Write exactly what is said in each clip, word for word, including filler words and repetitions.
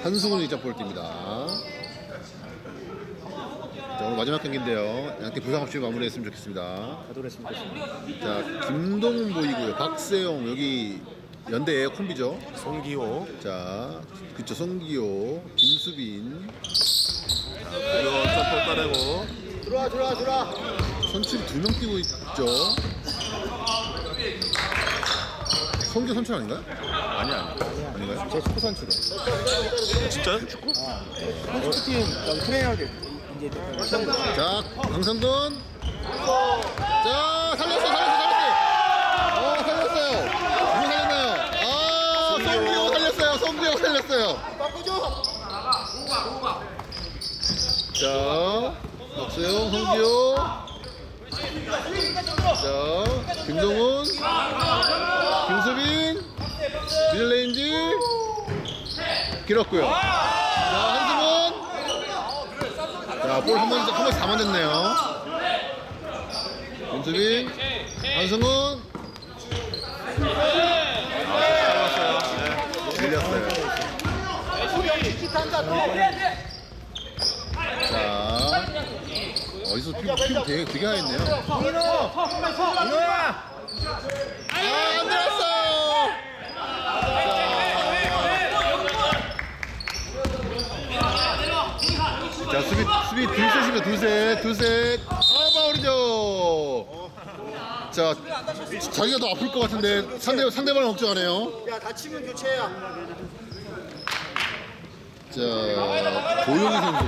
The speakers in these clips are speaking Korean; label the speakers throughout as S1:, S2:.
S1: 한승훈이 점프를 뜁니다. 자, 오늘 마지막 경기인데요. 양팀 부상 없이 마무리했으면 좋겠습니다.
S2: 가도랬으면 좋겠습니다.
S1: 자, 김동훈 보이고요. 박세용 여기 연대의 콤비죠.
S3: 송기호.
S1: 자, 그쵸, 송기호, 김수빈.
S3: 자, 이거 점프 따내고.
S2: 들어와 들어와 들어와.
S1: 선출 두 명 뛰고 있죠. 송기호 선출 아닌가요?
S3: 아니 아니.
S1: 아닌가요?
S2: 제 축구 선수로.
S3: 진짜요? 축구?
S2: 아, 축구팀 여기 트레이너들 이제
S1: 자, 강성돈. 자, 살렸어, 살렸어, 살렸어. 어, 살렸어요. 누구 살렸나요? 아, 송기호 살렸어요. 송기호 살렸어요.
S2: 바꾸죠.
S1: 자, 박세용, 송기호. 자, 김동훈, 김수빈, 미들레인지 길었고요. 자, 한승훈. 자, 볼 한 번, 한 번씩 다 만졌네요. 김수빈, 한승훈.
S3: 잘랐어요. 네.
S1: 밀렸어요. 자, 어디서 피부, 피부 되게, 되게 하였네요.
S2: 민호, 민호야.
S1: 아, 안 들었어요! 자, 수비, 수비 둘셋이면 둘셋, 둘셋. 아, 파울이죠. 자, 자기가 더 아플 것 같은데 상대, 상대방을 걱정하네요.
S2: 야 다치면 교체야.
S1: 자, 고용희 선수.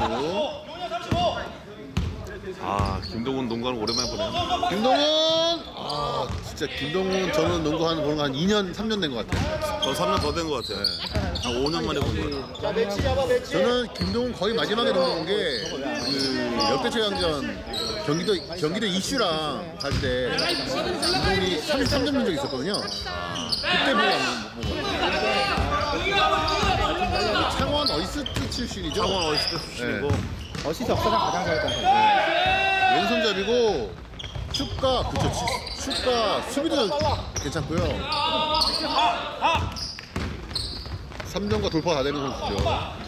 S3: 아 김동훈 농구하는 거 오랜만에 보네요.
S1: 김동훈! 아, 진짜 김동훈 저는 농구 한, 보는 거 한 이 년, 삼 년 된 것 같아요.
S3: 저 삼 년 더 된 것 같아요. 한 오 년 만에 본 거예요.
S2: 자 매치 잡아 매치.
S1: 저는 김동훈 거의 마지막에 농구한 게, 그, 역대최강전 경기도, 경기도 이슈랑 갈 때, 김동훈이 삼십삼 점 낸 적이 있었거든요. 그때 보고 안 본 거예요. 창원 어이스트 출신이죠?
S3: 창원 어시스트 출신이고.
S1: 네.
S2: 어시스트 역사상 가장 잘했던 선수.
S1: 왼손잡이고, 슛가, 그쵸, 슛가, 수비도 괜찮고요. 삼 점과 돌파 다 되는 선수죠.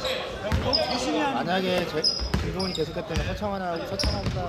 S2: 만약에 제 김동훈이 계속했다면 서창환하고 서창환보다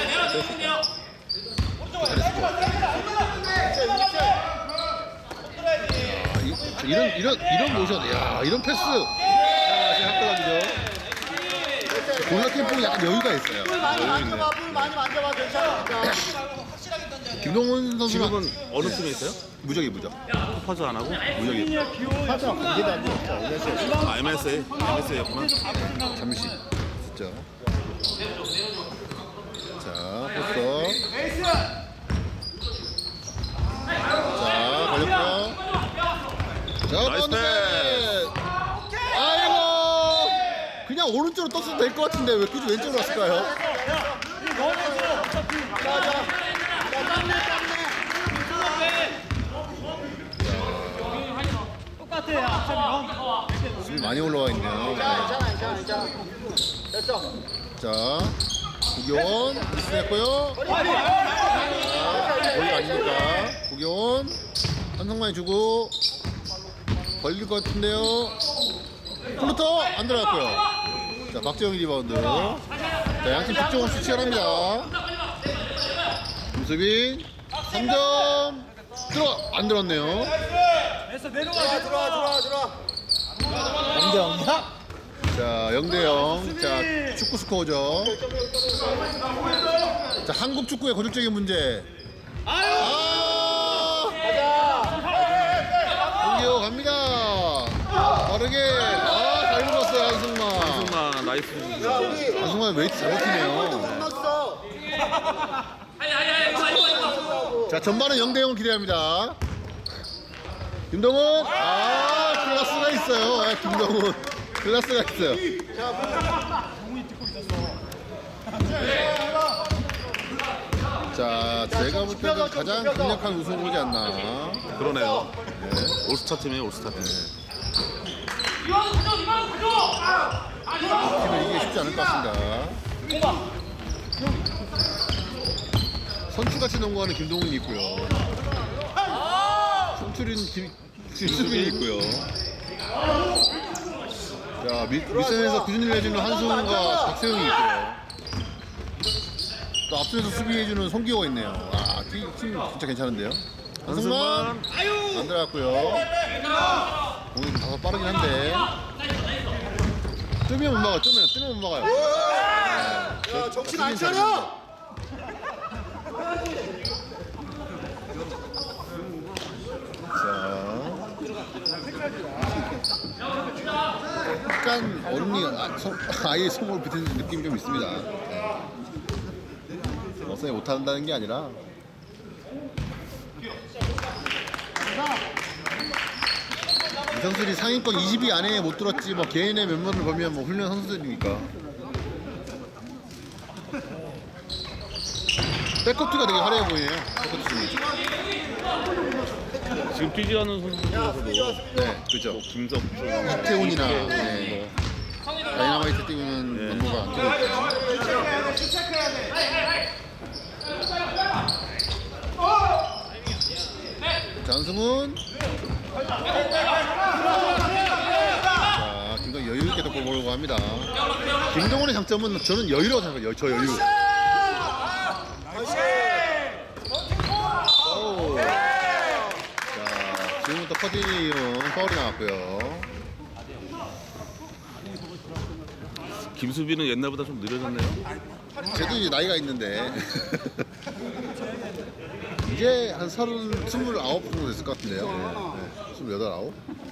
S1: 아, 이, 이런, 이런, 이런 모션, 야, 이런 패스. 자, 지금 학교감이죠. 골라 캠프는 약간 여유가 있어요.
S2: 많이 만져봐, 볼 많이 만져봐 괜찮으니까.
S1: 김동훈 선수는
S3: 지금은 어느 팀에 있어요?
S1: 무적이 무적.
S3: 퍼즈 안 하고?
S1: 무적이.
S2: 하지마 관계도 안 되니까 이래서
S3: 아 엠에스에이. 엠에스에이였구나.
S1: 잠시. 진짜. 자, 포스터. 자, 걸렸고요. 자,
S3: 나이스
S1: 바운드. 아이고. 그냥 오른쪽으로 떴어도 될 것 같은데 왜 굳이 왼쪽으로 왔을까요? 수비 많이 올라와 있네요.
S2: 괜찮아 괜찮아 괜찮아. 됐어.
S1: 자, 구교원 미스했고요. 거의 아니니까 구교원 한성만이 주고 걸릴 것 같은데요. 플루터 안 들어갔고요. 자, 박재영이 리바운드. 자, 양팀 득점 없이 치열합니다. 김수빈 삼 점 들어 안 들었네요.
S2: 들어와 들어와 들어와 들어와. 영대 영대.
S1: 자, 영 대 영. 자, 축구 스코어죠. 자, 한국 축구의 고질적인 문제. 아! 홍기호 갑니다. 빠르게. 아, 잘 읽었어요, 한승만.
S3: 한승만 나이스.
S1: 한승만 웨이트 잘 버티네요. 자, 전반은 영 대 영을 기대합니다. 김동훈. 아, 클라스가 있어요. 아, 김동훈. 클라스가 있어요. 자, 제가 볼 때는 가장 강력한 우승이지 않나.
S3: 그러네요.
S1: 네.
S3: 올스타 팀이에요 올스타 팀.
S1: 팀을 이기기 쉽지 않을 것 같습니다. 선수같이 농구하는 김동훈이 있고요. 선출인 김, 김수빈이 있고요. 자, 밑, 밑선에서 꾸준히 해주는 한승훈과 박세웅이 있고요. 또 앞선에서 수비해주는 송기호가 있네요. 아, 팀, 팀 진짜 괜찮은데요. 한승만
S3: 한승만.
S1: 안 들어갔고요. 공이 좀 다소 빠르긴 한데. 뜨면 못 막아요. 뜨면 뜨면 못 막아요.
S2: 야, 정신 안 차려!
S1: 약간 얼음이 아, 소, 아예 손을 비트는 느낌이 좀 있습니다. 어선이 못한다는 게 아니라 이 선수들이 상위권 이십 위 안에 못 들었지 뭐 개인의 면모를 보면 뭐 훌륭한 선수들이니까. 백코트가 되게 화려해 보이네요. 백코트 중에.
S3: 지금 뛰지 않는 선수 중에서도
S1: 네, 그죠.
S3: 뭐 김석준,
S1: 태훈이나 네. 다이나마이트 뛰는
S3: 네.
S1: 면모가 안 들어있죠. 장승훈. 자, 김동훈 여유 있게 덮고 보려고 합니다. 김동훈의 장점은 저는 여유라고 생각해요. 저 여유. 오. 자, 지금부터 커디니온 파울이 나왔고요.
S3: 김수빈은 옛날보다 좀 느려졌네요.
S1: 쟤도 이제 나이가 있는데 이제 한 서른 스물아홉 정도 됐을 것 같은데요. 네. 스물여덟 아홉.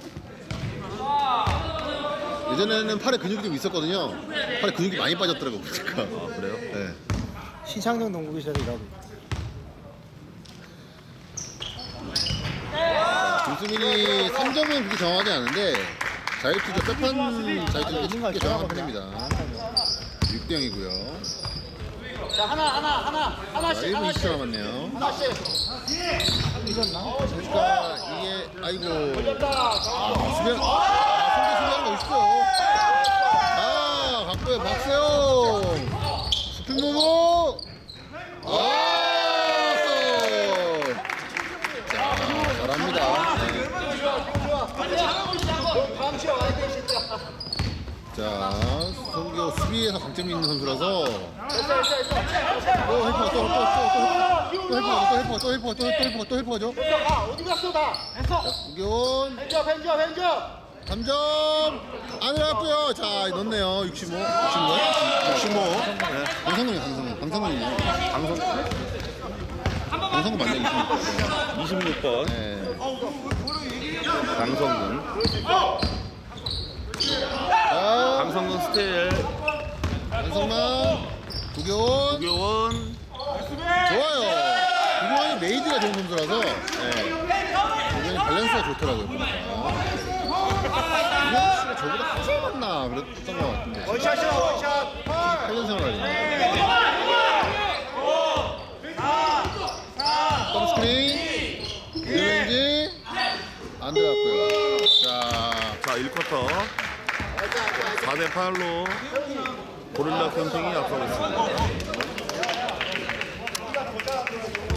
S1: 예전에는 팔에 근육이 좀 있었거든요. 팔에 근육이 많이 빠졌더라고 보니까.
S3: 아 그래요?
S1: 네.
S2: 신창동 농구기사를 일하고
S1: 김수민이 삼 점은 그렇게 정확하지 않은데 자유투도 백판 자유투도 꽤 정확한 편입니다. 육 대 영이고요.
S2: 자, 하나, 하나, 하나,
S1: 자,
S2: 하나씩,
S1: 일 분 이십 초
S2: 하나씩.
S1: 남았네요.
S2: 하나씩.
S1: 그러니까 이게 아이고
S2: 걸렸다.
S1: 아, 수비한 아, 손대 수비하는 거 있어. 아, 갖고요 박세용 스핀 모모. 아, 자, 잘합니다. 네.
S2: 다음 시간 와야 돼, 진짜.
S1: 자, 송기호 수비에서 강점이 있는 선수라서
S2: 됐어, 됐어, 됐어.
S1: 또 헬퍼가 또또또또 헬퍼가 또 헬퍼가 또 헬퍼가 또 헬퍼가 또 헬퍼가 또 헬퍼가죠.
S2: 됐어, 가. 어디 갔어, 다? 됐어.
S1: 구기훈
S2: 벤저, 벤저, 벤저.
S1: 삼 점 안 들어갔고요. 자, 넣었네요. 육십오. 육십오. 육십오. 네. 강성근이 강성근. 강성근이네요. 강성. 강성근 맞네. 육십육.
S3: 이십육 번
S1: 네.
S3: 강성근.
S1: 자,
S3: 강성근 스테일.
S1: 강성만. 구기훈.
S3: 구교원.
S1: 좋아요. 구기훈이 메이드가 좋은 선수라서 네. 구기훈이 밸런스가 좋더라고요. 보니까. 구기훈 씨가 저보다 한살 많나 그랬던 것 같은데.
S2: 원샷이야, 원샷.
S1: 팔 년 생활하네. 덤 스크린. 미드레인지. 안 들어갔고요. 자,
S3: 자 일 쿼터 사 대 팔로 고릴라 캠핑이 앞서고 있습니다.